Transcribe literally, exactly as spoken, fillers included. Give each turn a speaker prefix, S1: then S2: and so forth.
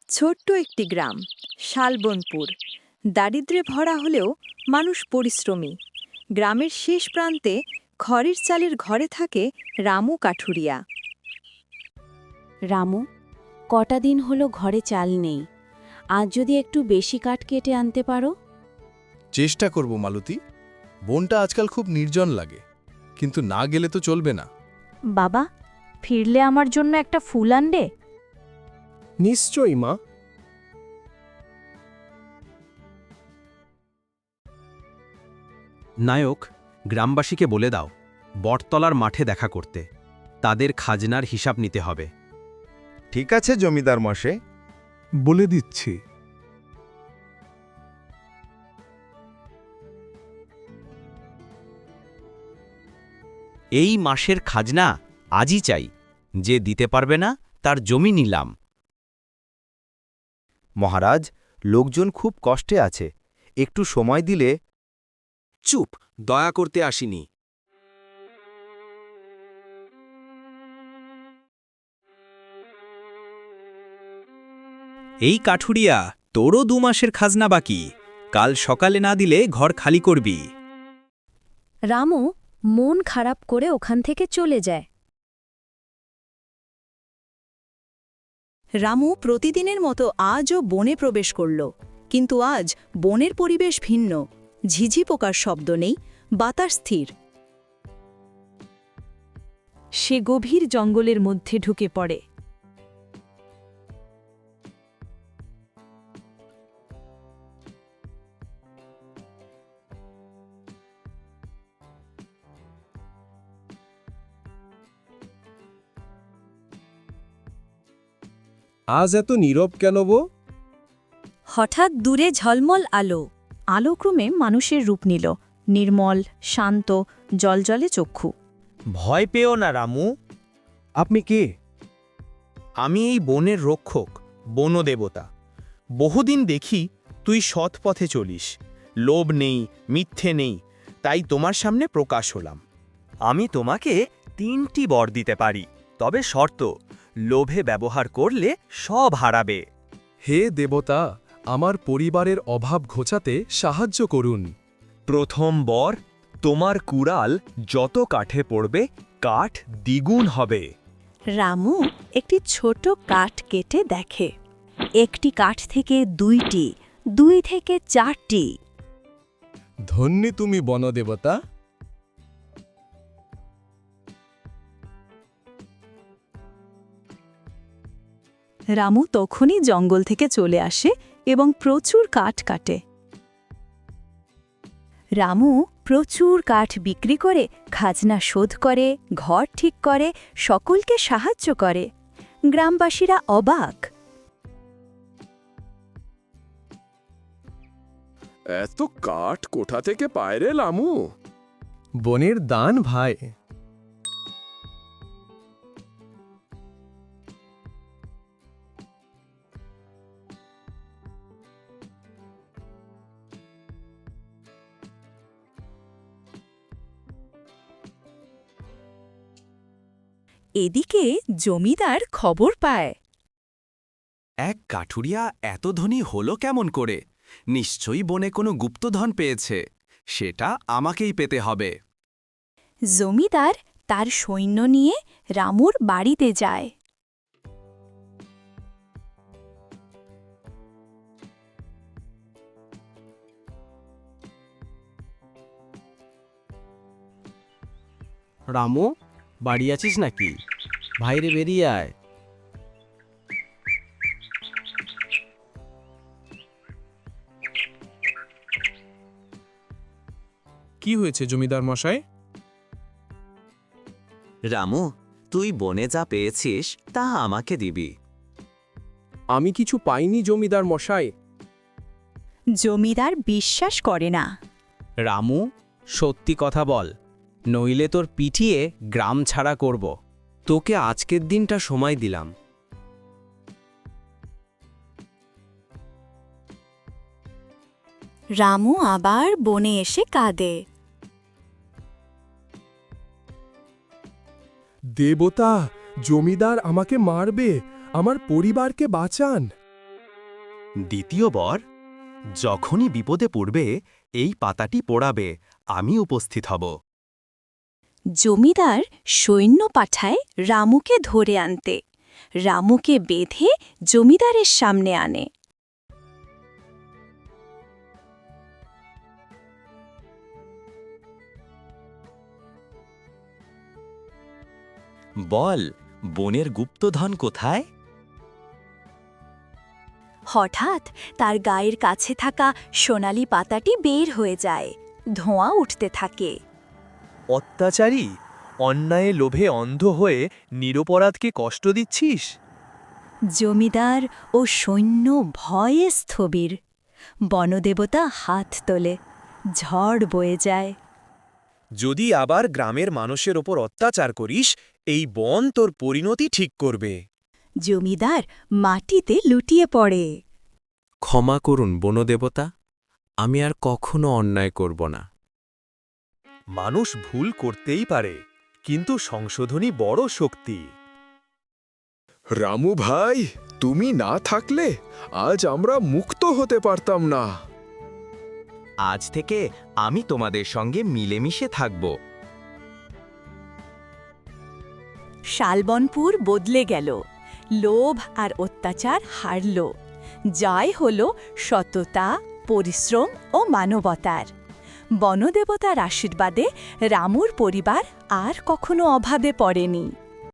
S1: ছোট্ট একটি গ্রাম শালবনপুর। দারিদ্র্যে ভরা হলেও মানুষ পরিশ্রমী। গ্রামের শেষ প্রান্তে খড়ের চালের ঘরে থাকে রামু কাঠুরিয়া।
S2: রামু, কটা দিন হলো ঘরে চাল নেই। আজ যদি একটু বেশি কাঠ কেটে আনতে পারো।
S3: চেষ্টা করব মালতী। বনটা আজকাল খুব নির্জন লাগে, কিন্তু না গেলে তো চলবে না।
S4: বাবা, ফিরলে আমার জন্য একটা ফুল আনবে?
S5: নিশ্চয়ই মা।
S6: নায়ক, গ্রামবাসীকে বলে দাও বটতলার মাঠে দেখা করতে। তাদের খাজনার হিসাব নিতে হবে।
S7: ঠিক আছে জমিদার মশাই।
S5: বলে দিচ্ছি।
S6: এই মাসের খাজনা আজই চাই। যে দিতে পারবে না তার জমি নিলাম।
S7: মহারাজ, লোকজন খুব কষ্টে আছে, একটু সময় দিলে।
S6: চুপ, দয়া করতে আসিনি। এই কাঠুরিয়া, তোরও দু মাসের খাজনা বাকি। কাল সকালে না দিলে ঘর খালি করবি।
S4: রামু মন খারাপ করে ওখান থেকে চলে যায়।
S1: রামু প্রতিদিনের মতো আজও বনে প্রবেশ করল, কিন্তু আজ বনের পরিবেশ ভিন্ন। ঝিঝি পোকার শব্দ নেই, বাতাস স্থির। সে গভীর জঙ্গলের মধ্যে ঢুকে পড়ে।
S5: আজ এত নীরব কেন গো?
S4: হঠাৎ দূরে ঝলমল আলো। আলোক্রমে মানুষের রূপ নিল, নির্মল, শান্ত, জলজলে চক্ষু।
S6: ভয় পেও না রামু।
S5: আপনি কে?
S6: আমি এই বনের রক্ষক, বনদেবতা। বহুদিন দেখি তুই সৎ পথে চলিস, লোভ নেই, মিথ্যে নেই, তাই তোমার সামনে প্রকাশ হলাম। আমি তোমাকে তিনটি বর দিতে পারি, তবে শর্ত, লোভে ব্যবহার করলে সব হারাবে।
S3: হে দেবতা, আমার পরিবারের অভাব ঘোচাতে সাহায্য করুন।
S6: প্রথম বর, তোমার কুড়াল যত কাঠে পড়বে কাঠ দ্বিগুণ হবে।
S1: রামু একটি ছোট কাঠ কেটে দেখে। একটি কাঠ থেকে দুইটি, দুই থেকে চারটি।
S3: ধন্যী তুমি বনদেবতা।
S1: রামু তখনই জঙ্গল থেকে চলে আসে এবং প্রচুর কাঠ কাটে। রামু প্রচুর কাঠ বিক্রি করে খাজনা শোধ করে, ঘর ঠিক করে, সকলকে সাহায্য করে। গ্রামবাসীরা অবাক।
S5: এত কাঠ কোথা থেকে পায় রে লামু?
S3: বনের দান ভাই।
S1: এদিকে জমিদার খবর পায়।
S6: এক কাঠুরিয়া এত ধনী হলো কেমন করে? নিশ্চয়ই বনে কোনো গুপ্তধন পেয়েছে। সেটা আমাকেই পেতে হবে।
S1: জমিদার তার সৈন্য নিয়ে রামুর বাড়িতে যায়।
S8: রামু, বাড়ি আছিস নাকি? ভাইরে বেরিয়ে আয়।
S5: কি হয়েছে জমিদার মশাই?
S9: রামু, তুই বনে যা পেয়েছিস তা আমাকে দিবি।
S5: আমি কিছু পাইনি জমিদার মশাই।
S1: জমিদার বিশ্বাস করে না।
S6: রামু, সত্যি কথা বল, নইলে তোর পিটিয়ে গ্রাম ছাড়া করব।
S8: তোকে আজকের দিনটা সময় দিলাম।
S1: রামু আবার বনে এসে কাঁদে।
S5: দেবতা, জমিদার আমাকে মারবে, আমার পরিবারকে বাঁচান।
S7: দ্বিতীয় বর, যখনই বিপদে পড়বে এই পাতাটি পোড়াবে, আমি উপস্থিত হব।
S4: জমিদার সৈন্য পাঠায় রামুকে ধরে আনতে। রামুকে বেঁধে জমিদারের সামনে আনে।
S9: বল, বনের গুপ্তধন কোথায়?
S4: হঠাৎ তার গায়ের কাছে থাকা সোনালি পাতাটি বের হয়ে যায়। ধোঁয়া উঠতে থাকে।
S6: অত্যাচারী, অন্যায়ে লোভে অন্ধ হয়ে নিরপরাধকে কষ্ট দিচ্ছিস?
S4: জমিদার ও সৈন্য ভয়ে স্থবির। বনদেবতা হাত তোলে। ঝড় বয়ে যায়।
S6: যদি আবার গ্রামের মানুষের ওপর অত্যাচার করিস, এই বন তোর পরিণতি ঠিক করবে।
S4: জমিদার মাটিতে লুটিয়ে পড়ে।
S5: ক্ষমা করুন বনদেবতা, আমি আর কখনো অন্যায় করব না।
S6: মানুষ ভুল করতেই পারে, কিন্তু সংশোধনী বড় শক্তি।
S10: রামু ভাই, তুমি না থাকলে আজ আমরা মুক্ত হতে পারতাম না।
S9: আজ থেকে আমি তোমাদের সঙ্গে মিলেমিশে থাকব।
S4: শালবনপুর বদলে গেল। লোভ আর অত্যাচার হারল। জয় হল সততা, পরিশ্রম ও মানবতার। বনদেবতার আশীর্বাদে রামুর পরিবার আর কখনো অভাবে পড়েনি।